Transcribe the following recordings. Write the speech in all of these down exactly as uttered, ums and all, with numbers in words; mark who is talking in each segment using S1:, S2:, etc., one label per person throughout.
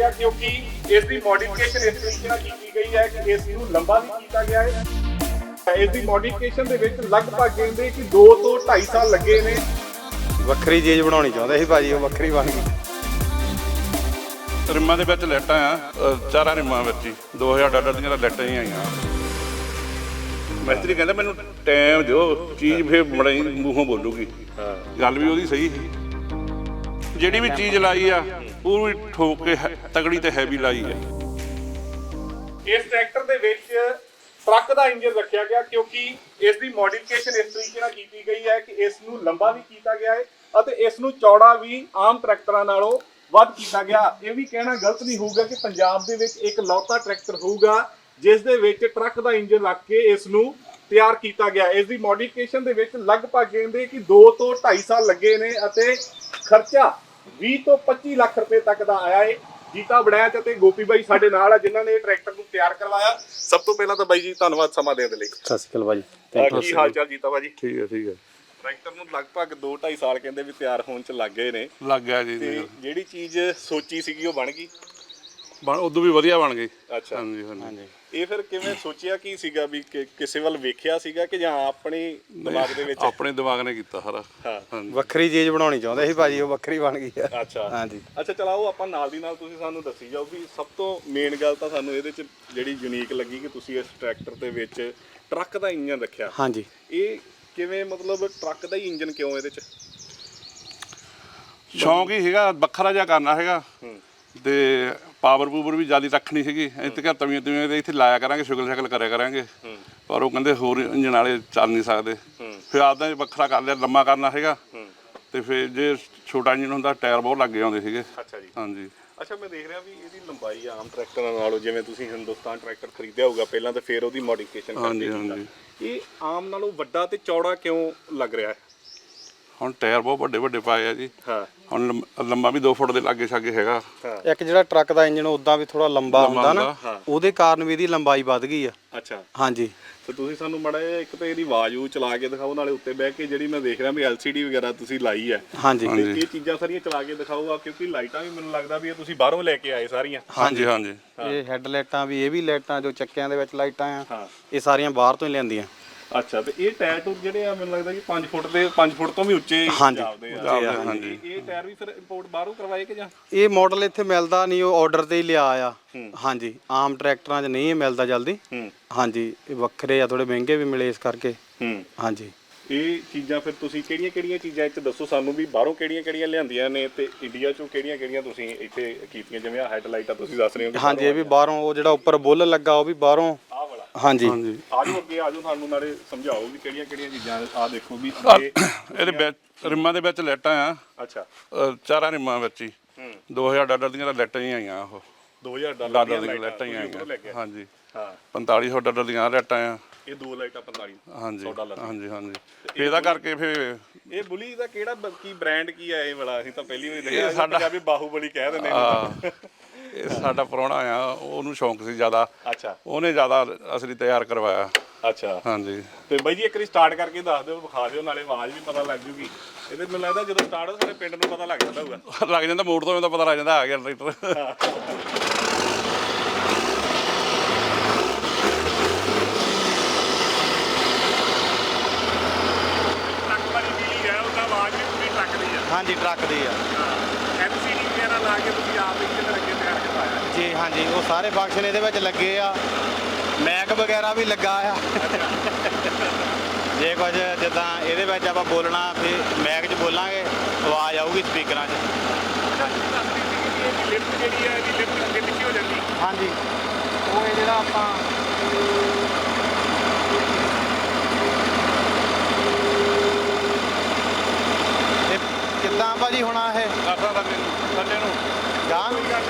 S1: ਗਿਆ ਕਿਉਂਕਿ ਇਸ ਦੀ ਮੋਡੀਫਿਕੇਸ਼ਨ ਇਸ ਤਰੀਕੇ ਨਾਲ ਕੀਤੀ ਗਈ ਹੈ ਕਿ ਇਸ ਨੂੰ ਲੰਬਾ ਵੀ ਕੀਤਾ ਗਿਆ ਹੈ। ਇਸ ਦੀ ਮੋਡੀਫਿਕੇਸ਼ਨ ਦੇ ਵਿੱਚ ਲਗਭਗ ਕਹਿੰਦੇ ਕਿ ਦੋ ਤੋਂ ਢਾਈ ਸਾਲ ਲੱਗੇ ਨੇ।
S2: ਵੱਖਰੀ ਚੀਜ਼ ਬਣਾਉਣੀ ਚਾਹੁੰਦੇ ਸੀ ਭਾਜੀ, ਉਹ ਵੱਖਰੀ ਬਣ ਗਈ।
S3: ਰਿਮਾਂ ਦੇ ਵਿੱਚ ਲਾਈਟਾਂ ਆ, ਚਾਰਾਂ ਰਿਮਾਂ ਵਿੱਚ ਹੀ ਦੋ ਹਜ਼ਾਰ ਡਾਲਰ ਦੀਆਂ ਲਾਈਟਾਂ ਹੀ ਆਈਆਂ। ਮਿਸਤਰੀ ਕਹਿੰਦਾ ਮੈਨੂੰ ਟਾਈਮ ਦਿਓ, ਚੀਜ਼ ਫਿਰ ਬੜੀ ਮੂੰਹੋਂ ਬੋਲੂਗੀ। ਗੱਲ ਵੀ ਉਹਦੀ ਸਹੀ ਸੀ। ਜਿਹੜੀ ਵੀ ਚੀਜ਼ ਲਾਈ ਆ ਪੂਰੀ ਠੋਕ ਕੇ ਤਗੜੀ ਤੇ ਹੈਵੀ ਲਾਈ ਆ।
S1: ਇਸ ਟਰੈਕਟਰ ਦੇ ਵਿੱਚ ਟਰੱਕ ਦਾ ਇੰਜਨ ਰੱਖਿਆ ਗਿਆ ਕਿਉਂਕਿ ਇਸ ਦੀ ਮੋਡੀਫਿਕੇਸ਼ਨ ਇਸ ਤਰੀਕੇ ਨਾਲ ਕੀਤੀ ਗਈ ਹੈ ਕਿ ਇਸ ਨੂੰ ਲੰਬਾ ਵੀ ਕੀਤਾ ਗਿਆ ਹੈ ਅਤੇ ਇਸ ਨੂੰ ਚੌੜਾ ਵੀ ਆਮ ਟਰੈਕਟਰਾਂ ਨਾਲੋਂ ਵੱਧ ਕੀਤਾ ਗਿਆ। ਇਹ ਵੀ ਕਹਿਣਾ ਗਲਤ ਨਹੀਂ ਹੋਊਗਾ ਕਿ ਪੰਜਾਬ ਦੇ ਵਿੱਚ ਇੱਕ ਲੌਤਾ ਟਰੈਕਟਰ ਹੋਊਗਾ ਜਿਸ ਦੇ ਵਿੱਚ ਟਰੱਕ ਦਾ ਇੰਜਨ ਰੱਖ ਕੇ ਇਸ ਨੂੰ ਤਿਆਰ ਕੀਤਾ ਗਿਆ। ਇਸ ਦੀ ਮੋਡੀਫਿਕੇਸ਼ਨ ਦੇ ਵਿੱਚ ਲਗਭਗ ਕਹਿੰਦੇ ਕਿ ਦੋ ਤੋਂ ਢਾਈ ਸਾਲ ਲੱਗੇ ਨੇ ਅਤੇ ਖਰਚਾ ਵੀਹ ਤੋਂ ਪੱਚੀ ਲੱਖ ਰੁਪਏ ਤੱਕ ਦਾ ਆਇਆ ਹੈ। ਜੀਤਾ ਬੜੈਚ ਅਤੇ ਗੋਪੀ ਬਾਈ ਸਾਡੇ ਨਾਲ ਆ ਜਿਨ੍ਹਾਂ ਨੇ ਇਹ ਟਰੈਕਟਰ ਨੂੰ ਤਿਆਰ ਕਰਵਾਇਆ। ਸਭ ਤੋਂ ਪਹਿਲਾਂ ਤਾਂ ਬਾਈ ਜੀ ਧੰਨਵਾਦ ਸਮਾਂ ਦੇਣ ਦੇ ਲਈ।
S2: ਸਤਿ ਸ਼੍ਰੀ ਅਕਾਲ ਭਾਜੀ।
S1: ਕੀ ਹਾਲ ਚਾਲ ਜੀਤਾ ਭਾਜੀ?
S3: ਠੀਕ ਹੈ ਠੀਕ ਹੈ।
S1: ਟਰੈਕਟਰ ਨੂੰ ਲਗਭਗ ਦੋ ਢਾਈ ਸਾਲ ਕਹਿੰਦੇ ਵੀ ਤਿਆਰ ਹੋਣ ਚ ਲੱਗ ਗਏ ਨੇ।
S3: ਲੱਗ ਗਿਆ ਜੀ।
S1: ਤੇ ਜਿਹੜੀ ਚੀਜ਼ ਸੋਚੀ ਸੀਗੀ ਉਹ ਬਣ ਗਈ।
S3: ਬਣ ਉਦੋਂ ਵੀ ਵਧੀਆ ਬਣ ਗਈ।
S1: ਅੱਛਾ
S3: ਹਾਂਜੀ ਹਾਂਜੀ।
S1: ਇਹ ਫਿਰ ਕਿਵੇਂ ਸੋਚਿਆ ਕੀ ਸੀਗਾ ਵੀ ਕਿਸੇ ਵੱਲ ਵੇਖਿਆ ਸੀਗਾ ਕਿ ਜਾਂ ਆਪਣੀ ਦਿਮਾਗ ਦੇ ਵਿੱਚ?
S3: ਆਪਣੇ ਦਿਮਾਗ ਨੇ ਕੀਤਾ ਸਾਰਾ।
S1: ਹਾਂ
S2: ਵੱਖਰੀ ਚੀਜ਼ ਬਣਾਉਣੀ ਚਾਹੁੰਦੇ ਸੀ ਭਾਜੀ, ਉਹ ਵੱਖਰੀ ਬਣ ਗਈ ਆ।
S1: ਅੱਛਾ
S2: ਹਾਂਜੀ।
S1: ਅੱਛਾ ਚਲਾਓ ਆਪਾਂ ਨਾਲ ਦੀ ਨਾਲ ਤੁਸੀਂ ਸਾਨੂੰ ਦੱਸੀ ਜਾਓ ਵੀ ਸਭ ਤੋਂ ਮੇਨ ਗੱਲ ਤਾਂ ਸਾਨੂੰ ਇਹਦੇ ਚ ਜਿਹੜੀ ਯੂਨੀਕ ਲੱਗੀ ਕਿ ਤੁਸੀਂ ਇਸ ਟਰੈਕਟਰ ਦੇ ਵਿੱਚ ਟਰੱਕ ਦਾ ਇੰਜਨ ਰੱਖਿਆ।
S2: ਹਾਂਜੀ।
S1: ਇਹ ਕਿਵੇਂ ਮਤਲਬ ਟਰੱਕ ਦਾ ਹੀ ਇੰਜਨ ਕਿਉਂ ਇਹਦੇ ਚ?
S3: ਸ਼ੌਂਕ ਹੀ ਸੀਗਾ, ਵੱਖਰਾ ਜਿਹਾ ਕਰਨਾ ਹੈਗਾ ਤੇ ਪਾਵਰ ਪੂਵਰ ਵੀ ਜ਼ਿਆਦਾ ਰੱਖਣੀ ਸੀਗੀ। ਇੱਥੇ ਘਰ ਤਵੀਆਂ ਤਵੀਆਂ ਦੇ ਇੱਥੇ ਲਾਇਆ ਕਰਾਂਗੇ, ਸ਼ੁਗਲ ਸ਼ਕਲ ਕਰਿਆ ਕਰਾਂਗੇ। ਪਰ ਉਹ ਕਹਿੰਦੇ ਹੋਰ ਇੰਜਨ ਵਾਲੇ ਚੱਲ ਨਹੀਂ ਸਕਦੇ। ਫਿਰ ਆਪਦਾ ਵੱਖਰਾ ਕਰ ਲਿਆ, ਲੰਮਾ ਕਰਨਾ ਹੈਗਾ ਤੇ ਫਿਰ ਜੇ ਛੋਟਾ ਇੰਜਨ ਹੁੰਦਾ ਟਾਇਰ ਬਹੁਤ ਲੱਗ ਜਾਂਦੇ ਸੀਗੇ।
S1: ਅੱਛਾ ਜੀ।
S3: ਹਾਂਜੀ।
S1: ਅੱਛਾ ਮੈਂ ਦੇਖ ਰਿਹਾ ਵੀ ਇਹਦੀ ਲੰਬਾਈ ਆਮ ਟਰੈਕਟਰਾਂ ਨਾਲੋਂ, ਜਿਵੇਂ ਤੁਸੀਂ ਹਿੰਦੁਸਤਾਨ ਟਰੈਕਟਰ ਖਰੀਦਿਆ ਹੋਊਗਾ ਪਹਿਲਾਂ ਤੇ ਫਿਰ ਉਹਦੀ ਮੋਡੀਫਿਕੇਸ਼ਨ
S3: ਹਾਂਜੀ
S1: ਕਰਕੇ
S3: ਹਾਂਜੀ।
S1: ਇਹ ਆਮ ਨਾਲੋਂ ਵੱਡਾ ਤੇ ਚੌੜਾ ਕਿਉਂ ਲੱਗ ਰਿਹਾ ਹੈ?
S3: ਹੁਣ ਟਾਇਰ ਬਹੁਤ ਵੱਡੇ ਵੱਡੇ ਪਾਏ ਆ ਜੀ।
S1: ਹਾਂ।
S3: ਹੁਣ ਲੰਮ- ਲੰਮਾ ਵੀ ਦੋ ਫੁੱਟ ਦੇ ਲਾਗੇ ਛਾਗੇ ਹੈਗਾ।
S2: ਇੱਕ ਜਿਹੜਾ ਟਰੱਕ ਦਾ ਇੰਜਨ ਉਦਾਂ ਵੀ ਥੋੜਾ ਲੰਬਾ ਹੁੰਦਾ ਨਾ,
S1: ਹਾਂ।
S2: ਉਹਦੇ ਕਾਰਨ ਵੀ ਇਹਦੀ ਲੰਬਾਈ ਵੱਧ ਗਈ ਆ।
S1: ਅੱਛਾ।
S2: ਹਾਂਜੀ।
S1: ਤੇ ਤੁਸੀਂ ਸਾਨੂੰ ਮਾੜਾ ਜਿਹਾ ਇੱਕ ਤਾਂ ਇਹਦੀ ਆਵਾਜ਼ ਉਹ ਚਲਾ ਕੇ ਦਿਖਾਓ, ਨਾਲੇ ਉੱਤੇ ਬਹਿ ਕੇ ਜਿਹੜੀ ਮੈਂ ਦੇਖ ਰਿਹਾ ਵੀ ਐਲ ਸੀ ਡੀ ਵਗੈਰਾ ਤੁਸੀਂ ਲਾਈ ਹੈ।
S2: ਹਾਂਜੀ।
S1: ਤੇ ਇਹ ਚੀਜ਼ਾਂ ਸਾਰੀਆਂ ਚਲਾ ਕੇ ਦਿਖਾਓ ਆ, ਕਿਉਂਕਿ ਲਾਈਟਾਂ ਵੀ ਮੈਨੂੰ ਲੱਗਦਾ ਵੀ ਇਹ ਤੁਸੀਂ ਬਾਹਰੋਂ ਲੈ ਕੇ ਆਏ ਸਾਰੀਆਂ।
S3: ਹਾਂਜੀ ਹਾਂਜੀ।
S2: ਇਹ ਹੈੱਡ ਲਾਈਟਾਂ ਵੀ, ਇਹ ਵੀ ਲਾਈਟਾਂ ਜੋ ਚੱਕਿਆਂ ਦੇ ਵਿੱਚ ਲਾਈਟਾਂ ਆ,
S1: ਹਾਂ।
S2: ਇਹ ਸਾਰੀਆਂ ਬਾਹਰ ਤੋਂ ਹੀ ਲਿਆਂਦੀਆਂ।
S1: ਅੱਛਾ। ਤੇ ਇਹ ਟਾਇਰ ਟੂਰ ਜਿਹੜੇ ਆ ਮੈਨੂੰ ਲੱਗਦਾ ਕਿ ਪੰਜ ਫੁੱਟ ਦੇ ਪੰਜ ਫੁੱਟ ਤੋਂ ਵੀ ਉੱਚੇ
S2: ਹਾਂਜੀ।
S1: ਜਾਪਦੇ ਆ।
S3: ਹਾਂਜੀ।
S1: ਇਹ ਟਾਇਰ ਵੀ ਫਿਰ ਇੰਪੋਰਟ ਬਾਹਰੋਂ ਕਰਵਾਏ ਕਿ ਜਾਂ?
S2: ਇਹ ਮਾਡਲ ਇੱਥੇ ਮਿਲਦਾ ਨਹੀਂ, ਉਹ ਆਰਡਰ ਤੇ ਹੀ ਲਿਆ ਆ। ਹਾਂਜੀ। ਆਮ ਟਰੈਕਟਰਾਂ 'ਚ ਨਹੀਂ ਇਹ ਮਿਲਦਾ ਜਲਦੀ। ਹਾਂਜੀ। ਇਹ ਵੱਖਰੇ ਆ, ਥੋੜੇ ਮਹਿੰਗੇ ਵੀ ਮਿਲੇ ਇਸ ਕਰਕੇ।
S1: ਹੂੰ।
S2: ਹਾਂਜੀ।
S1: ਇਹ ਚੀਜ਼ਾਂ ਫਿਰ ਤੁਸੀਂ ਕਿਹੜੀਆਂ ਕਿਹੜੀਆਂ ਚੀਜ਼ਾਂ ਇੱਥੇ ਦੱਸੋ ਸਾਨੂੰ ਵੀ ਬਾਹਰੋਂ ਕਿਹੜੀਆਂ ਕਿਹੜੀਆਂ ਲਿਆਂਦੀਆਂ ਨੇ ਤੇ ਇੰਡੀਆ ਚੋਂ ਕਿਹੜੀਆਂ ਕਿਹੜੀਆਂ ਤੁਸੀਂ ਇੱਥੇ ਕੀਤੀਆਂ? ਜਿਵੇਂ ਆ ਹੈਡ ਲਾਈਟਾਂ ਤੁਸੀਂ ਦੱਸ ਰਹੇ ਹੋ।
S2: ਹਾਂਜੀ। ਇਹ ਵੀ ਬਾਹਰੋਂ, ਉਹ ਜਿਹੜਾ ਉੱਪਰ ਬੁੱਲ ਲੱਗਾ ਉਹ ਵੀ ਬਾਹਰੋਂ।
S1: ਆਹ ਵਾਲਾ?
S2: ਹਾਂਜੀ।
S3: ਹਾਂਜੀ।
S1: ਆਜੋ ਅੱਗੇ ਆਜੋ, ਸਾਨੂੰ ਨਾਲੇ ਸਮਝਾਓ ਵੀ ਕਿਹੜੀਆਂ ਕਿਹੜੀਆਂ ਚੀਜ਼ਾਂ। ਆਹ ਦੇਖੋ ਵੀ
S3: ਇਹਦੇ ਵਿੱਚ ਰਿਮਾਂ ਦੇ ਵਿੱਚ ਲਾਈਟਾਂ ਆ।
S1: ਅੱਛਾ।
S3: ਚਾਰਾਂ ਰਿਮਾਂ ਵਿੱਚ ਹੀ ਦੋ ਹਜ਼ਾਰ ਡਾਲਰ ਦੀਆਂ ਲਾਈਟਾਂ ਹੀ ਆਈਆਂ। ਉਹ
S1: ਦੋ ਹਜ਼ਾਰ
S3: ਡਾਲਰ ਦੀਆਂ ਲਾਈਟਾਂ ਹੀ ਆਈਆਂ। ਹਾਂਜੀ।
S1: ਹਾਂ।
S3: ਪੰਤਾਲੀ ਸੌ ਡਾਲਰ ਦੀਆਂ ਲਾਈਟਾਂ ਆ।
S1: ਇਹ ਦੋ ਲਾਈਟਾਂ ਪੰਤਾਲੀ
S3: ਹਾਂਜੀ
S1: ਡਾਲਰ।
S3: ਹਾਂਜੀ ਹਾਂਜੀ। ਇਹਦਾ ਕਰਕੇ ਫਿਰ
S1: ਇਹ ਬੁਲੀ ਦਾ ਕਿਹੜਾ ਕੀ ਬ੍ਰਾਂਡ ਕੀ ਹੈ ਇਹ ਵਾਲਾ? ਅਸੀਂ ਤਾਂ ਪਹਿਲੀ ਵਾਰ ਦੇਖਿਆ। ਸਾਡਾ ਪੰਜਾਬੀ ਬਾਹੂਬਲੀ ਕਹਿ ਦਿੰਦੇ ਨੇ।
S3: ਇਹ ਸਾਡਾ ਪ੍ਰਾਹੁਣਾ ਆ, ਉਹਨੂੰ ਸ਼ੌਂਕ ਸੀ ਜ਼ਿਆਦਾ।
S1: ਅੱਛਾ।
S3: ਉਹਨੇ ਜ਼ਿਆਦਾ ਅਸਲੀ ਤਿਆਰ ਕਰਵਾਇਆ।
S1: ਅੱਛਾ।
S3: ਹਾਂਜੀ।
S1: ਤੇ ਬਾਈ ਜੀ ਇੱਕ ਵਾਰੀ ਸਟਾਰਟ ਕਰਕੇ ਦੱਸ ਦਿਓ, ਵਿਖਾ ਦਿਓ, ਨਾਲੇ ਆਵਾਜ਼ ਵੀ ਪਤਾ ਲੱਗ ਜੂਗੀ। ਇਹਦੇ ਮੈਨੂੰ ਲੱਗਦਾ ਜਦੋਂ ਸਟਾਰਟ ਹੋ ਸਾਡੇ ਪਿੰਡ ਨੂੰ ਪਤਾ ਲੱਗ ਜਾਂਦਾ ਹੋਊਗਾ।
S3: ਲੱਗ ਜਾਂਦਾ, ਮੋੜ ਤੋਂ ਤਾਂ ਪਤਾ ਲੱਗ ਜਾਂਦਾ ਆ ਗਿਆ ਟਰੈਕਟਰ।
S2: ਹਾਂਜੀ। ਟਰੱਕ ਦੀ ਆ।
S1: ਐਲ ਸੀ ਡੀ ਵਗੈਰਾ ਲਾ ਕੇ ਤੁਸੀਂ ਆਪ ਹੀ ਕਿਤੇ ਲੱਗੇ ਤਿਆਰ ਕਰਵਾਇਆ?
S2: ਜੀ ਹਾਂਜੀ। ਉਹ ਸਾਰੇ ਫੰਕਸ਼ਨ ਇਹਦੇ ਵਿੱਚ ਲੱਗੇ ਆ, ਮੈਕ ਵਗੈਰਾ ਵੀ ਲੱਗਾ ਆ। ਜੇ ਕੁਝ ਜਿੱਦਾਂ ਇਹਦੇ ਵਿੱਚ ਆਪਾਂ ਬੋਲਣਾ ਫਿਰ ਮੈਕ 'ਚ ਬੋਲਾਂਗੇ, ਆਵਾਜ਼ ਆਊਗੀ ਸਪੀਕਰਾਂ 'ਚ।
S1: ਲਿਫਟ ਜਿਹੜੀ ਹੈ ਇਹਦੀ ਲਿਫਟ ਅੱਗੇ ਪਿੱਛੇ ਹੋ ਜਾਂਦੀ?
S2: ਹਾਂਜੀ। ਉਹ ਇਹ ਜਿਹੜਾ ਆਪਾਂ ਕਿੱਦਾਂ ਭਾਜੀ ਹੋਣਾ ਇਹ
S3: ਕਰਦਾ ਥੱਲੇ ਨੂੰ ਥੱਲੇ ਨੂੰ
S2: ਗਾਂ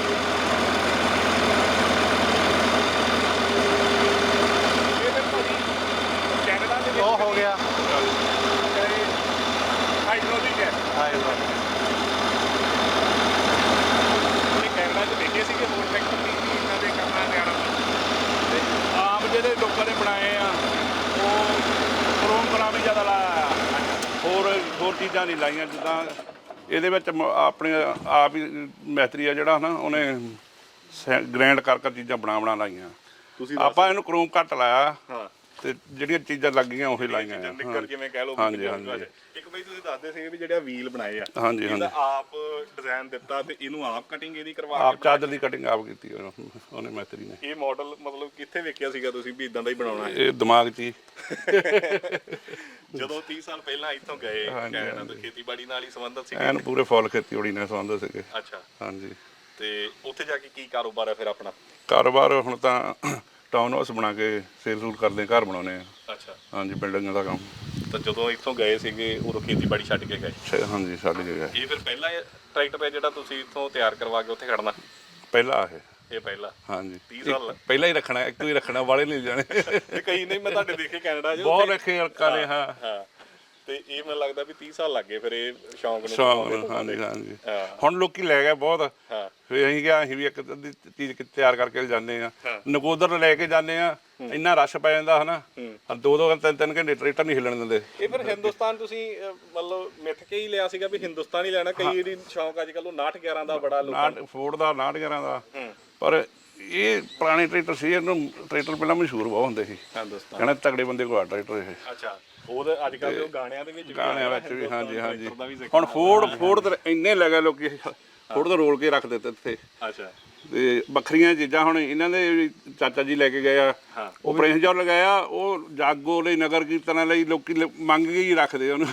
S1: ਕੈਨੇਡਾ ਦੇ
S2: ਉਹ ਹੋ ਗਿਆ।
S1: ਹਾਈਡ੍ਰੋਲਿਕ ਹੈ।
S2: ਹਾਈਡ੍ਰੋਲਿਕ।
S1: ਇਹ ਕੈਨੇਡਾ 'ਚ ਦੇਖੇ ਸੀਗੇ ਹੋਰ ਟਰੈਕਟਰ ਦੀ ਇਹਨਾਂ ਦੇ ਕਰਨਾ ਨਿਆਣਾ ਤੇ ਆਮ ਜਿਹੜੇ ਲੋਕਾਂ ਨੇ ਬਣਾਏ ਆ ਉਹ ਕ੍ਰੋਮ ਕਲਾ ਵੀ ਜ਼ਿਆਦਾ ਲਾਇਆ ਆ।
S3: ਹੋਰ ਹੋਰ ਚੀਜ਼ਾਂ ਨਹੀਂ ਲਾਈਆਂ। ਜਿੱਦਾਂ ਇਹਦੇ ਵਿੱਚ ਮ- ਆਪਣੇ ਆਪ ਹੀ ਮਿਸਤਰੀ ਆ ਜਿਹੜਾ ਨਾ, ਉਹਨੇ ਗ੍ਰੈਂਡ ਕਰ ਕਰ ਚੀਜ਼ਾਂ ਬਣਾ ਬਣਾ ਲਾਈਆਂ
S1: ਤੁਸੀਂ
S3: ਆਪਾਂ ਇਹਨੂੰ ਕਰੋਮ ਘੱਟ ਲਾਇਆ
S1: ਹਾਂ
S3: ਤੇ ਜਿਹੜੀਆਂ ਚੀਜ਼ਾਂ ਲੱਗੀਆਂ ਉਹੀ ਲਾਈਆਂ ਆ।
S1: ਨਿੱਕਰ ਜਿਵੇਂ ਕਹਿ ਲਓ
S3: ਹਾਂਜੀ ਹਾਂਜੀ
S1: ਇੱਕ ਬਈ ਤੁਸੀਂ ਦੱਸਦੇ ਸੀ ਵੀ ਜਿਹੜਾ ਵੀਲ ਬਣਾਏ ਆ
S3: ਹਾਂਜੀ
S1: ਇਹਦਾ
S3: ਹਾਂਜੀ
S1: ਆਪ ਡਿਜ਼ਾਈਨ ਦਿੱਤਾ ਤੇ ਇਹਨੂੰ ਆਪ ਕਟਿੰਗ ਇਹਦੀ ਕਰਵਾ
S3: ਆਪ
S1: ਕੇ
S3: ਚਾਦਰ ਦੀ ਕਟਿੰਗ ਆਪ ਕੀਤੀ ਉਹਨੇ ਉਹਨੇ ਮੈਤਰੀ ਨੇ।
S1: ਇਹ ਮਾਡਲ ਮਤਲਬ ਕਿੱਥੇ ਵੇਖਿਆ ਸੀਗਾ ਤੁਸੀਂ ਵੀ ਇਦਾਂ ਦਾ ਹੀ ਬਣਾਉਣਾ ਹੈ?
S3: ਇਹ ਦਿਮਾਗ 'ਚ ਹੀ
S1: ਜਦੋਂ ਤੀਹ ਸਾਲ ਪਹਿਲਾਂ ਇੱਥੋਂ ਗਏ ਕੈਨੇਡਾ ਤੋਂ ਖੇਤੀਬਾੜੀ ਨਾਲ ਹੀ ਸੰਬੰਧਿਤ ਸੀ?
S3: ਐਨ ਪੂਰੇ ਫੁੱਲ ਖੇਤੀਬਾੜੀ ਨਾਲ ਸੰਬੰਧ ਸੀਗੇ।
S1: ਅੱਛਾ
S3: ਹਾਂਜੀ
S1: ਤੇ ਉੱਥੇ ਜਾ ਕੇ ਕੀ ਕਾਰੋਬਾਰ ਹੈ ਫਿਰ ਆਪਣਾ?
S3: ਕਾਰੋਬਾਰ ਹੁਣ ਤਾਂ ਟਾਊਨ ਹਾਊਸ ਬਣਾ ਕੇ ਸੇਲ ਸੂਲ ਕਰਦੇ ਘਰ ਬਣਾਉਣੇ ਆ।
S1: ਅੱਛਾ
S3: ਹਾਂਜੀ ਬਿਲਡਿੰਗ ਦਾ ਕੰਮ।
S1: ਤਾਂ ਜਦੋਂ ਇੱਥੋਂ ਗਏ ਸੀਗੇ ਉਦੋਂ ਖੇਤੀਬਾੜੀ ਛੱਡ ਕੇ ਗਏ?
S3: ਛੇ- ਹਾਂਜੀ ਸਾਡੀ ਜਗ੍ਹਾ
S1: ਇਹ ਫਿਰ ਪਹਿਲਾ ਟਰੈਕਟਰ ਹੈ ਜਿਹੜਾ ਤੁਸੀਂ ਇੱਥੋਂ ਤਿਆਰ ਕਰਵਾ ਕੇ ਉੱਥੇ ਖੜਨਾ?
S3: ਪਹਿਲਾ ਇਹ
S1: ਇਹ ਪਹਿਲਾ?
S3: ਹਾਂਜੀ
S1: ਤੀਹ ਸਾਲ
S3: ਇੱਕ ਪਹਿਲਾਂ ਹੀ ਰੱਖਣਾ ਇੱਕ ਹੀ ਰੱਖਣਾ ਵਾਲੇ ਨਹੀਂ ਜਾਣੇ
S1: ਤੇ ਕਈ ਨਹੀਂ ਮੈਂ ਤੁਹਾਡੇ ਦੇਖੇ ਕੈਨੇਡਾ 'ਚ
S3: ਬਹੁਤ ਰੱਖੇ ਅਲਕਾ ਨੇ। ਹਾਂ
S1: ਹਾਂ ਤੇ ਇਹ ਮੈਨੂੰ ਲੱਗਦਾ ਵੀ ਤੀਹ ਸਾਲ ਲੱਗ ਗਏ ਫਿਰ ਇਹ ਸ਼ੌਂਕ ਨੂੰ
S3: ਸ਼ੌਂਕ
S1: ਬਣਾਉਣ ਦੇ।
S3: ਹਾਂਜੀ ਹਾਂਜੀ
S1: ਹਾਂ
S3: ਹੁਣ ਲੋਕੀ ਲੈ ਗਏ ਬਹੁਤ।
S1: ਹਾਂ
S3: ਫਿਰ ਅਸੀਂ ਕਿਹਾ ਅਸੀਂ ਵੀ ਇੱਕ ਅੱਧੀ ਚੀਜ਼ ਕਿ- ਤਿਆਰ ਕਰਕੇ ਜਾਂਦੇ ਆ
S1: ਹਾਂ।
S3: ਨਕੋਦਰ ਲੈ ਕੇ ਜਾਂਦੇ ਆ ਇੰਨਾ ਰਸ਼ ਪੈ ਜਾਂਦਾ ਹਨਾ ਦੋ ਦੋ ਤਿੰਨ ਤਿੰਨ ਘੰਟੇ ਟਰੈਕਟਰ ਨਹੀਂ ਹਿੱਲਣ ਦਿੰਦੇ।
S1: ਇਹ ਫਿਰ ਹਿੰਦੁਸਤਾਨ ਤੁਸੀਂ ਅਹ, ਮਤਲਬ ਮਿੱਥ ਕੇ ਹੀ ਲਿਆ ਸੀਗਾ ਵੀ ਹਿੰਦੁਸਤਾਨ ਹੀ ਲੈਣਾ? ਕਈ ਇਹਦੀ ਸ਼ੌਂਕ ਅੱਜ ਕੱਲ੍ਹ ਉਹ ਉਨਾਹਠ ਗਿਆਰਾਂ ਦਾ ਬੜਾ ਲੋਕਾਂ
S3: ਨਾਟ ਫੋਰਡ ਦਾ ਨਾਟ ਗਿਆਰਾਂ ਦਾ
S1: ਹੂੰ
S3: ਪਰ ਇਹ ਪੁਰਾਣੇ ਟਰੈਕਟਰ ਸੀ ਇਹਨੂੰ ਟਰੈਕਟਰ ਪਹਿਲਾਂ ਮਸ਼ਹੂਰ ਬਹੁਤ ਹੁੰਦੇ ਸੀ
S1: ਹਿੰਦੁਸਤਾਨ।
S3: ਕਹਿੰਦੇ ਤਗੜੇ ਬੰਦੇ ਕੋਲ ਆ ਟਰੈਕਟਰ ਇਹ
S1: ਅੱਛਾ ਉਹਦੇ ਅੱਜ ਕੱਲ੍ਹ ਦੇ ਉਹ ਗਾਣਿਆਂ ਦੇ ਵਿੱਚ ਵੀ
S3: ਗਾਣਿਆਂ
S1: ਆਇਆ
S3: ਵਿੱਚ ਵੀ ਹਾਂਜੀ ਹਾਂਜੀ
S1: ਟਰੈਕਟਰ ਦਾ ਵੀ ਜ਼ਿਕਰ।
S3: ਹੁਣ ਫੋਰਡ ਫੋਰਡ ਤੇ ਇੰਨੇ ਲੱਗੇ ਲੋਕੀ ਫੋਰਡ ਤੇ ਰੋਲ ਕੇ ਰੱਖ ਦਿੱਤੇ ਇੱਥੇ
S1: ਅੱਛਾ
S3: ਤੇ ਵੱਖਰੀਆਂ ਚੀਜ਼ਾਂ ਹੁਣ ਇਹਨਾਂ ਦੇ ਵੀ ਚਾਚਾ ਜੀ ਲੈ ਕੇ ਗਏ ਆ
S1: ਹਾਂ
S3: ਉਹ ਪ੍ਰਿੰਸ ਜੋਰ ਲਗਾਇਆ ਉਹ ਜਾਗੋ ਲਈ ਨਗਰ ਕੀਰਤਨਾਂ ਲਈ ਲੋਕੀ ਲ- ਮੰਗ ਕੇ ਹੀ ਰੱਖਦੇ ਉਹਨੂੰ।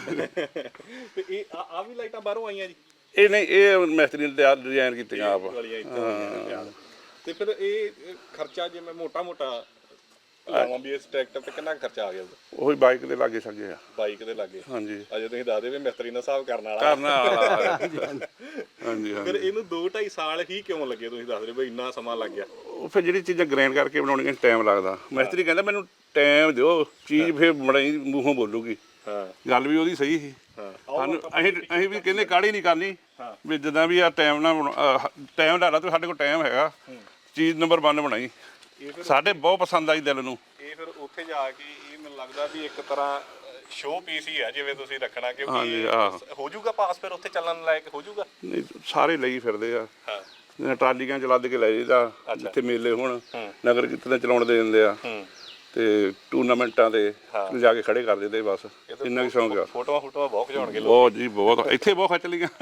S1: ਤੇ ਇਹ ਆ ਆ ਵੀ ਲਾਈਟਾਂ ਬਾਹਰੋਂ ਆਈਆਂ ਜੀ?
S3: ਇਹ ਨਹੀਂ ਇਹ ਮਿਸਤਰੀ ਨੇ ਤਿਆਰ ਡਿਜ਼ਾਈਨ ਕੀਤੀਆਂ ਆਪ।
S1: ਵਾਲੀਆਂ ਇੱਥੋਂ ਆਈਆਂ ਨੇ ਤਿਆਰ। ਤੇ ਫਿਰ ਇਹ ਇਹ ਖਰਚਾ ਜਿਵੇਂ ਮੋਟਾ ਮੋਟਾ ਲਾਵਾਂ ਵੀ ਇਸ ਟਰੈਕਟਰ ਤੇ ਕਿੰਨਾ ਕੁ ਖਰਚਾ ਆ ਗਿਆ ਉਹਦਾ?
S3: ਉਹੀ ਬਾਈਕ ਦੇ ਲਾਗੇ ਸਕੇ ਆ।
S1: ਬਾਈਕ ਦੇ ਲਾਗੇ
S3: ਹਾਂਜੀ
S1: ਅਜੇ ਤੁਸੀਂ ਦੱਸਦੇ ਵੀ ਮਿਸਤਰੀ ਨਾਲ ਹਿਸਾਬ ਕਰਨ ਵਾਲਾ
S3: ਕਰਨ ਵਾਲਾ ਹਾਂਜੀ
S1: ਫਿਰ
S3: ਹਾਂਜੀ
S1: ਇਹਨੂੰ ਦੋ ਢਾਈ ਸਾਲ ਹੀ ਕਿਉਂ ਲੱਗੇ ਤੁਸੀਂ ਦੱਸ ਰਹੇ ਬਈ ਇੰਨਾ ਸਮਾਂ ਲੱਗ ਗਿਆ?
S3: ਉਹ ਫਿਰ ਜਿਹੜੀ ਚੀਜ਼ਾਂ ਗ੍ਰੈਂਡ ਕਰਕੇ ਬਣਾਉਣੀਆਂ ਟਾਈਮ ਲੱਗਦਾ। ਮਿਸਤਰੀ ਕਹਿੰਦਾ ਮੈਨੂੰ ਟਾਈਮ ਦਿਓ ਚੀਜ਼ ਫਿਰ ਬੜੀ ਮੂੰਹੋਂ ਬੋਲੂਗੀ।
S1: ਹਾਂ
S3: ਗੱਲ ਵੀ ਉਹਦੀ ਸਹੀ ਸੀ।
S1: ਹਾਂ
S3: ਸਾਨੂੰ ਅਸੀਂ ਅਸੀਂ ਵੀ ਕਹਿੰਦੇ ਕਾਹਲੀ ਨਹੀਂ ਕਰਨੀ
S1: ਹਾਂ।
S3: ਵੀ ਜਿੱਦਾਂ ਵੀ ਆ ਟਾਈਮ ਨਾਲ ਟਾਈਮ ਲਾ ਲਾ ਤੂੰ ਸਾਡੇ ਕੋਲ ਟਾਈਮ ਹੈਗਾ ਚੀਜ਼ ਨੰਬਰ ਇੱਕ ਬਣਾਈ।
S1: ਇਹ ਫਿਰ
S3: ਸਾਡੇ ਬਹੁਤ ਪਸੰਦ ਆਈ ਦਿਲ ਨੂੰ।
S1: ਇਹ ਫਿਰ ਉੱਥੇ ਜਾ ਕੇ ਇਹ ਮੈਨੂੰ ਲੱਗਦਾ ਵੀ ਇੱਕ ਤਰ੍ਹਾਂ ਸ਼ੋਅ ਪੀਸ ਹੀ ਆ ਜਿਵੇਂ ਤੁਸੀਂ ਰੱਖਣਾ
S3: ਹਾਂਜੀ,
S1: ਕਿਉਂਕਿ
S3: ਆਹ।
S1: ਹੋ ਜਾਊਗਾ ਪਾਸ ਫਿਰ ਉੱਥੇ ਚੱਲਣ ਲਾਇਕ ਹੋ ਜਾਊਗਾ?
S3: ਨਹੀਂ ਸਾਰੇ ਲਈ ਫਿਰਦੇ ਆ
S1: ਹਾਂ
S3: ਟਰਾਲੀਆਂ ਚ ਲੱਦ ਕੇ ਲੈ ਜਾਈਦਾ ਜਿੱਥੇ ਮੇਲੇ ਹੋਣ ਨਗਰ ਕੀਰਤਨ ਚਲਾਉਣ ਦੇ ਦਿੰਦੇ ਆ
S1: ਹੂੰ
S3: ਤੇ ਟੂਰਨਾਮੈਂਟਾਂ ਤੇ ਲਿਜਾ ਕੇ ਖੜੇ ਕਰ ਦਿੰਦੇ ਬਸ ਇੰਨਾ ਕੁ ਸ਼ੌਂਕ ਆ।
S1: ਫੋਟੋਆਂ ਫੋਟੋਆਂ ਬਹੁਤ ਖਿਚਾਉਣਗੇ ਲੋਕ।
S3: ਬਹੁਤ ਜੀ ਬਹੁਤ ਇੱਥੇ ਬਹੁਤ ਖਿੱਚ ਲਈਆਂ।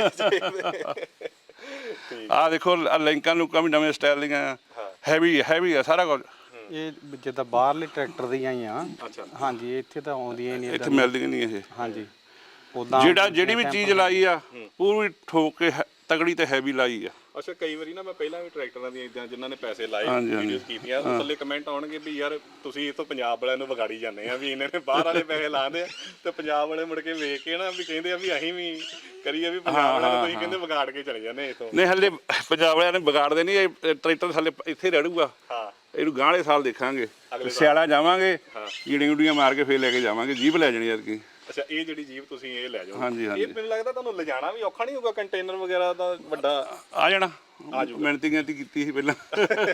S3: ਆਹ ਦੇਖੋ ਆਹ ਲਿੰਕਾਂ ਲੁੰਕਾਂ ਵੀ ਨਵੇਂ ਸਟਾਈਲ ਦੀਆਂ ਹੈਵੀ ਹੈਵੀ ਆ ਸਾਰਾ ਕੁਝ।
S2: ਇਹ ਜਿੱਦਾਂ ਬਾਹਰਲੇ ਟਰੈਕਟਰ ਦੀਆਂ ਹੀ ਆ।
S1: ਅੱਛਾ
S2: ਹਾਂਜੀ ਇੱਥੇ ਤਾਂ ਆਉਂਦੀਆਂ ਹੀ ਨਹੀਂ
S3: ਇੱਥੇ ਮਿਲਦੀਆਂ ਨਹੀਂ ਇਹ।
S2: ਹਾਂਜੀ ਉਦਾਂ
S3: ਜਿਹੜਾ ਜਿਹੜੀ ਵੀ ਚੀਜ਼ ਲਾਈ ਆ ਪੂਰੀ ਠੋਕ ਕੇ ਹੈ- ਤਗੜੀ ਤੇ ਹੈਵੀ ਲਾਈ ਆ।
S1: ਅੱਛਾ ਕਈ ਵਾਰੀ ਨਾ ਮੈਂ ਪਹਿਲਾਂ ਵੀ ਟਰੈਕਟਰਾਂ ਦੀਆਂ ਇਦਾਂ ਜਿਨ੍ਹਾਂ ਨੇ ਪੈਸੇ ਲਾਏ
S3: ਹਾਂਜੀ, ਹਾਂਜੀ।
S1: ਵੀਡੀਓਜ਼ ਕੀਤੀਆਂ ਉਹ ਥੱਲੇ ਕਮੈਂਟ ਆਉਣਗੇ ਵੀ ਯਾਰ ਤੁਸੀਂ ਇਥੋਂ ਪੰਜਾਬ ਵਾਲਿਆਂ ਨੂੰ ਵਿਗਾੜੀ ਜਾਂਦੇ ਆ ਵੀ ਇਹਨਾਂ ਨੇ ਬਾਹਰ ਵਾਲੇ ਪੈਸੇ ਲਾਉਂਦੇ ਆ ਤੇ ਪੰਜਾਬ ਵਾਲੇ ਮੁੜ ਕੇ ਵੇਖ ਕੇ ਨਾ ਵੀ ਕਹਿੰਦੇ ਆ ਵੀ ਅਸੀਂ ਵੀ ਕਰੀਏ ਵੀ ਪੰਜਾਬ ਵਾਲਿਆਂ ਨੂੰ ਤੁਸੀਂ ਕਹਿੰਦੇ ਵਿਗਾੜ ਕੇ ਚਲੇ ਜਾਂਦੇ ਇਥੋਂ।
S3: ਨਹੀਂ ਹਲੇ ਪੰਜਾਬ ਵਾਲਿਆਂ ਨੇ ਵਿਗਾੜਦੇ ਨਹੀਂ ਇਹ ਟਰੈਕਟਰ ਹਲੇ ਇੱਥੇ ਰਹਿਣੂਗਾ।
S1: ਹਾਂ
S3: ਇਹਨੂੰ ਗਾਂ ਵਾਲੇ ਸਾਲ ਦੇਖਾਂਗੇ ਸਿਆਲਾ ਜਾਵਾਂਗੇ ਕੀੜੀਆਂ ਗੁੱਡੀਆਂ ਮਾਰ ਕੇ ਫੇਰ ਲੈ ਕੇ ਜਾਵਾਂਗੇ ਜੀਪ ਲੈ ਜਾਣੀ ਐਤਕੀ।
S1: ਅੱਛਾ ਇਹ ਜਿਹੜੀ ਜੀਪ ਤੁਸੀਂ ਇਹ ਲੈ ਜਾਓ
S3: ਹਾਂਜੀ ਹਾਂਜੀ
S1: ਇਹ ਮੈਨੂੰ ਲੱਗਦਾ ਤੁਹਾਨੂੰ ਲਿਜਾਣਾ ਵੀ ਔਖਾ ਨਹੀਂ ਹੋਊਗਾ ਕੰਟੇਨਰ ਵਗੈਰਾ ਦਾ ਵੱਡਾ?
S3: ਆ ਜਾਣਾ ਮਿਹਨਤੀ ਗਿਣਤੀ ਕੀਤੀ ਸੀ ਪਹਿਲਾਂ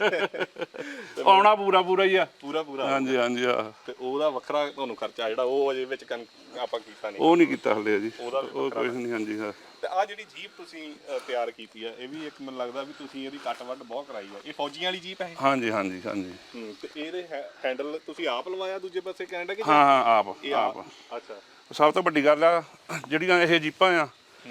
S3: ਆਉਣਾ ਪੂਰਾ ਪੂਰਾ ਹੀ ਆ
S1: ਪੂਰਾ ਪੂਰਾ
S3: ਹਾਂਜੀ ਹਾਂਜੀ ਆ
S1: ਤੇ ਉਹਦਾ ਵੱਖਰਾ ਤੁਹਾਨੂੰ ਖਰਚਾ ਜਿਹੜਾ ਉਹ ਅਜੇ ਵਿੱਚ ਕਨ- ਆਪਾਂ ਕੀਤਾ ਨਹੀਂ?
S3: ਉਹ ਨਹੀਂ ਕੀਤਾ ਹਲੇ ਜੀ
S1: ਉਹਦਾ ਵੀ
S3: ਉਹ ਕੁਝ ਨਹੀਂ ਹਾਂਜੀ ਹਾਂ।
S1: ਤੇ ਆ ਜਿਹੜੀ ਜੀਪ ਤੁਸੀਂ ਅ, ਤਿਆਰ ਕੀਤੀ ਆ ਇਹ ਵੀ ਇੱਕ ਮੈਨੂੰ ਲੱਗਦਾ ਵੀ ਤੁਸੀਂ ਇਹਦੀ ਕੱਟ ਵੱਢ ਬਹੁਤ ਕਰਾਈ ਆ। ਇਹ ਫੌਜੀਆਂ ਵਾਲੀ ਜੀਪ ਹੈ?
S3: ਹਾਂਜੀ ਹਾਂਜੀ ਹਾਂਜੀ
S1: ਹੂੰ ਤੇ ਇਹਦੇ ਹੈ- ਹੈਂਡਲ ਤੁਸੀਂ ਆਪ ਲਵਾਇਆ ਦੂਜੇ ਪਾਸੇ ਕੈਨੇਡਾ ਕਿ?
S3: ਹਾਂ ਹਾਂ ਆਪ
S1: ਇਹ
S3: ਆਪ
S1: ਅੱਛਾ
S3: ਸਭ ਤੋਂ ਵੱਡੀ ਗੱਲ ਆ ਜਿਹੜੀਆਂ ਇਹ ਜੀਪਾਂ ਆ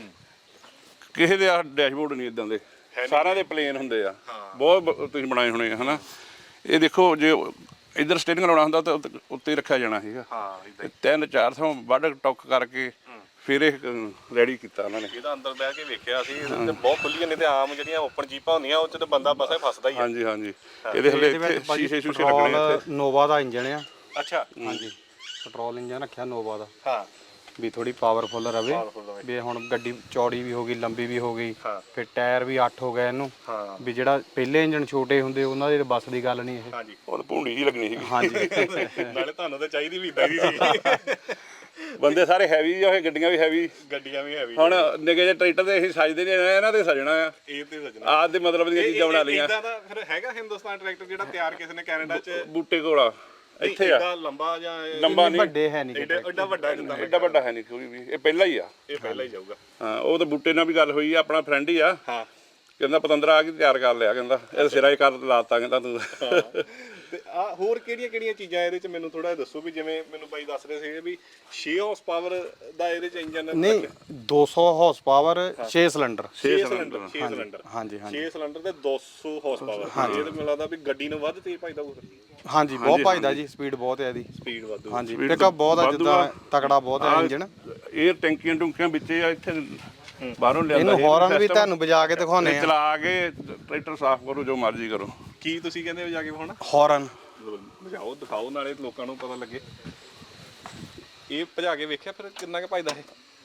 S3: ਕਿਸੇ ਦੇ ਆ ਡੈਸ਼ਬੋਰਡ ਨਹੀਂ ਇਦਾਂ ਦੇ ਸਾਰਿਆਂ ਦੇ ਪਲੇਨ ਹੁੰਦੇ ਆ ਬਹੁਤ ਬ- ਤੁਸੀਂ ਬਣਾਏ ਹੋਣੇ ਆ ਹਨਾ। ਇਹ ਦੇਖੋ ਜੇ ਇੱਧਰ ਸਟੇਰਿੰਗ ਲਾਉਣਾ ਹੁੰਦਾ ਤਾਂ ਉੱਤੇ- ਉੱਤੇ ਰੱਖਿਆ ਜਾਣਾ ਸੀਗਾ।
S1: ਹਾਂ ਇਦਾਂ
S3: ਤੇ ਤਿੰਨ ਚਾਰ ਥਾਂ ਵੱਢ ਟੁੱਕ ਕਰਕੇ ਫਿਰ ਇਹ ਰੈਡੀ ਕੀਤਾ ਉਹਨਾਂ ਨੇ।
S1: ਇਹਦਾ ਅੰਦਰ ਬਹਿ ਕੇ ਵੇਖਿਆ ਸੀ ਇਹਦੇ ਤੇ ਬਹੁਤ ਖੁੱਲੀਆਂ ਨੇ ਤੇ ਆਮ ਜਿਹੜੀਆਂ ਓਪਨ ਜੀਪਾਂ ਹੁੰਦੀਆਂ ਉਹ ਚ ਤੇ ਬੰਦਾ ਬਸ ਫਸਦਾ ਹੀ ਆ।
S3: ਹਾਂਜੀ ਹਾਂਜੀ ਇਹਦੇ ਹਲੇ ਇੱਥੇ ਸ਼ੀਸ਼ੇ ਸ਼ੂਸ਼ੇ ਲੱਗਣੇ ਆ ਇੱਥੇ।
S2: ਨੋਵਾ ਦਾ ਇੰਜਣ ਆ।
S1: ਅੱਛਾ
S2: ਹਾਂਜੀ ਪੈਟਰੋਲ ਇੰਜਨ ਰੱਖਿਆ ਨੋਵਾ ਦਾ
S1: ਹਾਂ
S2: ਵੀ ਥੋੜੀ ਪਾਵਰਫੁਲ ਰਵੇ
S1: Powerful ਰਵੇ।
S2: ਵੀ ਹੁਣ ਗੱਡੀ ਚੌੜੀ ਵੀ ਹੋ ਗਈ ਲੰਬੀ ਵੀ ਹੋ ਗਈ
S1: ਹਾਂ।
S2: ਫਿਰ ਟਾਇਰ ਵੀ ਅੱਠ ਹੋ ਗਏ ਇਹਨੂੰ
S1: ਹਾਂ
S2: ਵੀ ਜਿਹੜਾ ਪਹਿਲੇ ਇੰਜਣ ਛੋਟੇ ਹੁੰਦੇ ਉਹਨਾਂ ਦੇ ਬੱਸ ਦੀ ਗੱਲ ਨਹੀਂ ਇਹ।
S1: ਹਾਂਜੀ
S3: ਉਹ ਤਾਂ ਭੂੰਡੀ ਜੀ ਲੱਗਣੀ ਸੀਗੀ।
S2: ਹਾਂਜੀ
S1: ਨਾਲੇ ਤੁਹਾਨੂੰ ਤਾਂ ਚਾਹੀਦੀ ਵੀ ਇਦਾਂ ਦੀ ਸੀ
S3: ਬੰਦੇ ਸਾਰੇ ਹੈਵੀ ਆ ਹੋਏ ਗੱਡੀਆਂ ਵੀ ਹੈਵੀ।
S1: ਗੱਡੀਆਂ ਵੀ ਹੈਵੀ
S3: ਹੁਣ ਨਿੱਕੇ ਜਿਹੇ ਟਰੈਕਟਰ ਤੇ ਅਸੀਂ ਸਜਦੇ ਨਹੀਂ ਇਹਨਾਂ ਤੇ ਸਜਣਾ ਆ
S1: ਇਹ ਤੇ ਸਜਣਾ
S3: ਆਹ ਦੇ ਮਤਲਬ ਦੀਆਂ ਚੀਜ਼ਾਂ ਬਣਾ ਲਈਆਂ।
S1: ਇਦਾਂ ਦਾ ਫਿਰ ਹੈਗਾ ਹਿੰਦੁਸਤਾਨ ਟਰੈਕਟਰ ਜਿਹੜਾ ਤਿਆਰ ਕਿਸੇ ਨੇ ਕੈਨੇਡਾ ਚ?
S3: ਬੂਟੇ ਕੋਲਾ ਇੱਥੇ ਆ
S1: ਏਡਾ ਲੰਬਾ ਜਾਂ ਇਹ-
S3: ਲੰਬਾ ਨਹੀਂ
S2: ਵੱਡੇ ਹੈ ਨਹੀਂ
S1: ਏਡਾ ਏਡਾ ਵੱਡਾ ਜਿੱਦਾਂ
S3: ਐਡਾ ਵੱਡਾ ਹੈ ਨਹੀਂ ਕੋਈ ਵੀ ਇਹ ਪਹਿਲਾ ਹੀ ਆ।
S1: ਇਹ ਪਹਿਲਾਂ ਹੀ ਜਾਊਗਾ।
S3: ਹਾਂ ਉਹ ਤਾਂ ਬੂਟੇ ਨਾਲ ਵੀ ਗੱਲ ਹੋਈ ਆ ਆਪਣਾ ਫਰੈਂਡ ਹੀ ਆ
S1: ਹਾਂ
S3: ਕਹਿੰਦਾ ਪਤੰਦਰਾ ਆ ਕੇ ਤਿਆਰ ਕਰ ਲਿਆ, ਕਹਿੰਦਾ ਇਹ ਸਿਰਾ ਹੀ ਕਰ ਲਾਤਾ, ਕਹਿੰਦਾ ਤੂੰ।
S1: ਤੇ ਆ ਹੋਰ ਕਿਹੜੀਆਂ ਕਿਹੜੀਆਂ ਚੀਜ਼ਾਂ ਇਹਦੇ ਚ ਮੈਨੂੰ ਥੋੜਾ ਦੱਸੋ ਵੀ ਜਿਵੇਂ ਮੈਨੂੰ ਬਾਈ ਦੱਸ ਰਹੇ ਸੀਗੇ ਵੀ ਛੇ ਹਾਰਸ ਪਾਵਰ ਦਾ ਇਹਦੇ ਚ ਇੰਜਨ
S2: ਨਹੀਂ ਦੋ ਸੌ ਹਾਰਸ ਪਾਵਰ ਛੇ ਸਿਲੰਡਰ
S1: ਛੇ ਸਿਲੰਡਰ ਛੇ ਸਿਲੰਡਰ
S2: ਹਾਂਜੀ ਹਾਂਜੀ
S1: ਛੇ ਸਿਲੰਡਰ ਤੇ ਦੋ ਸੌ ਹਾਰਸ ਪਾਵਰ ਇਹ ਤਾਂ ਮੈਨੂੰ ਲੱਗਦਾ ਵੀ ਗੱਡੀ ਨੂੰ ਵੱਧ ਤੇਜ਼ ਭਜਦਾ ਹੋਊ
S2: ਹਾਂਜੀ ਬਹੁਤ ਭਜਦਾ ਜੀ, ਸਪੀਡ ਬਹੁਤ ਹੈ ਇਹਦੀ,
S1: ਸਪੀਡ ਵਾਧੂ
S2: ਹਾਂਜੀ ਪਿਕਅਪ ਬਹੁਤ ਆ, ਜਿੱਦਾਂ ਤਕੜਾ ਬਹੁਤ ਹੈ ਇੰਜਨ।
S3: ਇਹ ਟੈਂਕੀਆਂ ਟੁੰਕੀਆਂ ਵਿੱਚ ਆ, ਇੱਥੇ ਬਾਹਰੋਂ ਲਿਆਂਦਾ
S2: ਇਹਨੂੰ ਹੌਰਨ ਵੀ ਤੁਹਾਨੂੰ ਵਜਾ ਕੇ ਦਿਖਾਉਣੇ ਆ,
S3: ਚਲਾ ਕੇ ਟਰੈਕਟਰ ਸਾਫ਼ ਕਰੋ, ਜੋ ਮਰਜ਼ੀ ਕਰੋ।
S1: ਕੀ ਤੁਸੀਂ ਕਹਿੰਦੇ ਹੋ ਜਾ ਕੇ ਹੁਣ
S2: ਹੌਰਨ
S1: ਵਜਾਓ ਦਿਖਾਓ, ਨਾਲੇ ਲੋਕਾਂ ਨੂੰ ਪਤਾ ਲੱਗੇ। ਇਹ ਭਜਾ ਕੇ ਵੇਖਿਆ ਫਿਰ ਕਿੰਨਾ ਕੁ ਭਜਦਾ ਇਹ?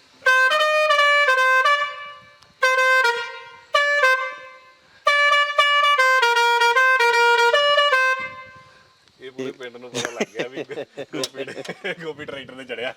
S1: ਇਹ ਪੂਰੇ ਪਿੰਡ ਨੂੰ ਪਤਾ ਲੱਗ ਗਿਆ ਵੀ ਗੋਪੀ ਗੋਪੀ ਟਰੈਕਟਰ ਤੇ ਚੜਿਆ।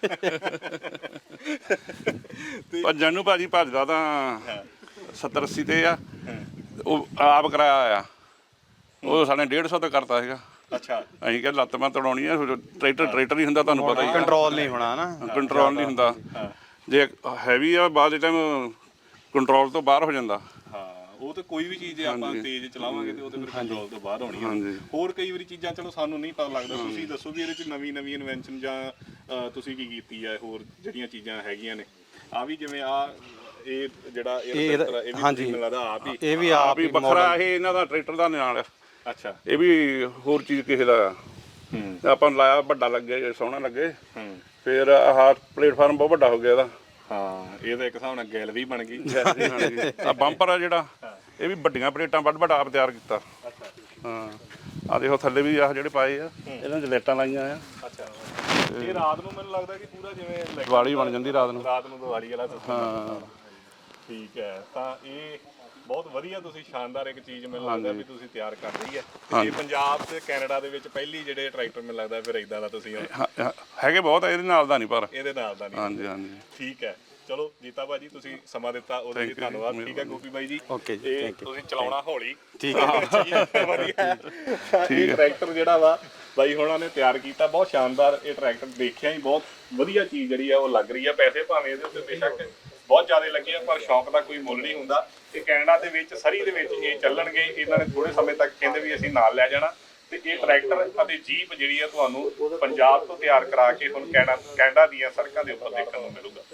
S3: ਭੱਜਣ ਨੂੰ ਭਾਜੀ ਭੱਜਦਾ ਤਾਂ ਸੱਤਰ ਅੱਸੀ ਤੇ ਆ, ਉਹ ਆਪ ਕਰਾਇਆ ਆ, ਉਹ ਸਾਨੇ ਡੇਢ ਸੌ ਤੇ ਕਰਤਾ ਸੀਗਾ।
S1: ਅੱਛਾ
S3: ਅਸੀਂ ਕਿਹਾ ਲੱਤ ਮੈਂ ਤੜਾਉਣੀ ਆ, ਟਰੈਕਟਰ ਟਰੈਕਟਰ ਹੀ ਹੁੰਦਾ, ਤੁਹਾਨੂੰ ਪਤਾ ਹੀ ਆ,
S2: ਕੰਟਰੋਲ ਨਹੀਂ ਹੋਣਾ ਨਾ,
S3: ਕੰਟਰੋਲ ਨਹੀਂ ਹੁੰਦਾ। ਜੇ ਹੈਵੀ ਆ ਬਾਅਦ ਦੇ ਟਾਈਮ ਕੰਟਰੋਲ ਤੋਂ ਬਾਹਰ ਹੋ ਜਾਂਦਾ।
S1: ਹਾਂ ਉਹ ਤੇ ਕੋਈ ਵੀ ਚੀਜ਼ ਜੇ ਆਪਾਂ ਤੇਜ਼ ਚਲਾਵਾਂਗੇ ਤੇ ਉਹ ਤੇ ਫਿਰ ਕੰਟਰੋਲ ਤੋਂ ਬਾਹਰ ਹੋਣੀ ਆ। ਹੋਰ ਕਈ ਵਾਰੀ ਚੀਜ਼ਾਂ ਚਲੋ ਸਾਨੂੰ ਨਹੀਂ ਪਤਾ ਲੱਗਦਾ, ਤੁਸੀਂ ਦੱਸੋ ਵੀ ਇਹਦੇ ਚ ਨਵੀਂ ਨਵੀਂ ਇਨਵੈਂਸ਼ਨ ਜਾਂ ਅ, ਤੁਸੀਂ ਕੀ ਕੀਤੀ ਆ, ਹੋਰ ਜਿਹੜੀਆਂ ਚੀਜ਼ਾਂ ਹੈਗੀਆਂ ਨੇ। ਆ ਵੀ ਜਿਵੇਂ ਆ ਇਹ ਜਿਹੜਾ ਇਹ
S2: ਇਹ
S1: ਟਰੈਕਟਰ ਆ, ਇਹ ਵੀ
S2: ਹਾਂਜੀ।
S1: ਮੈਨੂੰ ਲੱਗਦਾ ਆਪ ਹੀ
S2: ਇਹ ਵੀ
S3: ਆਪ
S2: ਆਪ
S3: ਹੀ
S2: ਹੀ
S3: ਵੱਖਰਾ, ਇਹ ਇਹਨਾਂ ਦਾ ਟਰੈਕਟਰ ਦਾ ਨਾਲ ਆ।
S1: ਅੱਛਾ
S3: ਇਹ ਵੀ ਹੋਰ ਚੀਜ਼ ਕਿਸੇ ਦਾ ਆ।
S1: ਹੂੰ
S3: ਆਪਾਂ ਨੂੰ ਲਾਇਆ ਵੱਡਾ ਲੱਗੇ, ਸੋਹਣਾ ਲੱਗੇ,
S1: ਹੂੰ
S3: ਫਿਰ ਆਹ ਪਲੇਟਫਾਰਮ ਬਹੁਤ ਵੱਡਾ ਹੋ ਗਿਆ ਇਹਦਾ।
S1: ਹਾਂ ਇਹ ਤਾਂ ਇੱਕ ਹਿਸਾਬ ਨਾਲ ਗੈਲ ਵੀ ਬਣ ਗਈ।
S3: ਆ ਬੰਪਰ ਆ ਜਿਹੜਾ, ਇਹ ਵੀ ਵੱਡੀਆਂ ਪਲੇਟਾਂ ਵੱਡ ਵੱਡਾ ਆਪ ਤਿਆਰ ਕੀਤਾ। ਹਾਂ ਆ ਦੇਖੋ ਥੱਲੇ ਵੀ ਆਹ ਜਿਹੜੇ ਪਾਏ ਆ, ਇਹਨਾਂ 'ਚ ਲਾਈਟਾਂ ਲਾਈਆਂ ਆ।
S1: ਅੱਛਾ ਇਹ ਰਾਤ ਨੂੰ ਮੈਨੂੰ ਲੱਗਦਾ ਕਿ ਪੂਰਾ ਜਿਵੇਂ
S3: ਦੀਵਾਲੀ ਬਣ ਜਾਂਦੀ ਰਾਤ ਨੂੰ।
S1: ਰਾਤ ਨੂੰ ਦੀਵਾਲੀ ਵਾਲਾ system
S3: ਹਾਂ
S1: ਠੀਕ ਹੈ। ਤਾਂ ਇਹ ਬਹੁਤ ਵਧੀਆ, ਤੁਸੀਂ ਸ਼ਾਨਦਾਰ ਇੱਕ ਚੀਜ਼ ਮੈਨੂੰ ਲੱਗਦਾ ਵੀ ਤੁਸੀਂ ਤਿਆਰ ਕਰ ਰਹੀ ਹੈ। ਇਹ ਪੰਜਾਬ ਤੇ ਕੈਨੇਡਾ ਦੇ ਵਿੱਚ ਪਹਿਲੀ ਜਿਹੜੇ ਟਰੈਕਟਰ ਮੈਨੂੰ ਲੱਗਦਾ ਫਿਰ ਇਦਾਂ ਦਾ ਤੁਸੀਂ
S3: ਹਾਂ, ਹਾਂ, ਹੈਗੇ ਬਹੁਤ ਆ, ਇਹਦੇ ਨਾਲ ਦਾ ਨਹੀਂ ਪਰ।
S1: ਇਹਦੇ ਨਾਲ ਦਾ ਨਹੀਂ।
S3: ਹਾਂਜੀ ਹਾਂਜੀ
S1: ਠੀਕ ਹੈ ਚਲੋ ਜੀਤਾ ਭਾਜੀ ਤੁਸੀਂ ਸਮਾਂ ਦਿੱਤਾ ਉਹਦੇ ਲਈ ਧੰਨਵਾਦ। ਠੀਕ ਹੈ ਗੋਪੀ ਬਾਈ ਜੀ,
S2: ਓਕੇ ਜੀ,
S1: ਇਹ ਤੁਸੀਂ ਚਲਾਉਣਾ ਹੌਲੀ।
S2: ਠੀਕ ਹੈ
S1: ਵਧੀਆ। ਇਹ ਟਰੈਕਟਰ ਜਿਹੜਾ ਵਾ ਬਾਈ ਹੁਣਾਂ ਨੇ ਤਿਆਰ ਕੀਤਾ, ਬਹੁਤ ਸ਼ਾਨਦਾਰ ਇਹ ਟਰੈਕਟਰ, ਦੇਖਿਆ ਹੀ ਬਹੁਤ ਵਧੀਆ ਚੀਜ਼ ਜਿਹੜੀ ਆ ਉਹ ਲੱਗ ਰਹੀ ਆ। ਪੈਸੇ ਭਾਵੇਂ ਇਹਦੇ ਉੱਤੇ ਬੇਸ਼ੱਕ ਬਹੁਤ ਜ਼ਿਆਦਾ ਲੱਗੇ ਆ, ਪਰ ਸ਼ੌਕ ਦਾ ਕੋਈ ਮੁੱਲ ਨਹੀਂ ਹੁੰਦਾ। ਤੇ ਕੈਨੇਡਾ ਦੇ ਵਿੱਚ ਸਰੀ ਦੇ ਵਿੱਚ ਇਹ ਚੱਲਣਗੇ, ਇਹਨਾਂ ਨੇ ਥੋੜੇ ਸਮੇਂ ਤੱਕ ਕਹਿੰਦੇ ਵੀ ਅਸੀਂ ਨਾਲ ਲੈ ਜਾਣਾ। ਤੇ ਇਹ ਟਰੈਕਟਰ ਅਤੇ ਜੀਪ ਜਿਹੜੀ ਆ ਤੁਹਾਨੂੰ ਪੰਜਾਬ ਤੋਂ ਤਿਆਰ ਕਰਾ ਕੇ ਹੁਣ ਕੈਨੇਡਾ ਕੈਨੇਡਾ ਦੀਆਂ ਸੜਕਾਂ ਦੇ ਉੱਪਰ ਦੇਖਣ ਨੂੰ ਮਿਲੂਗਾ।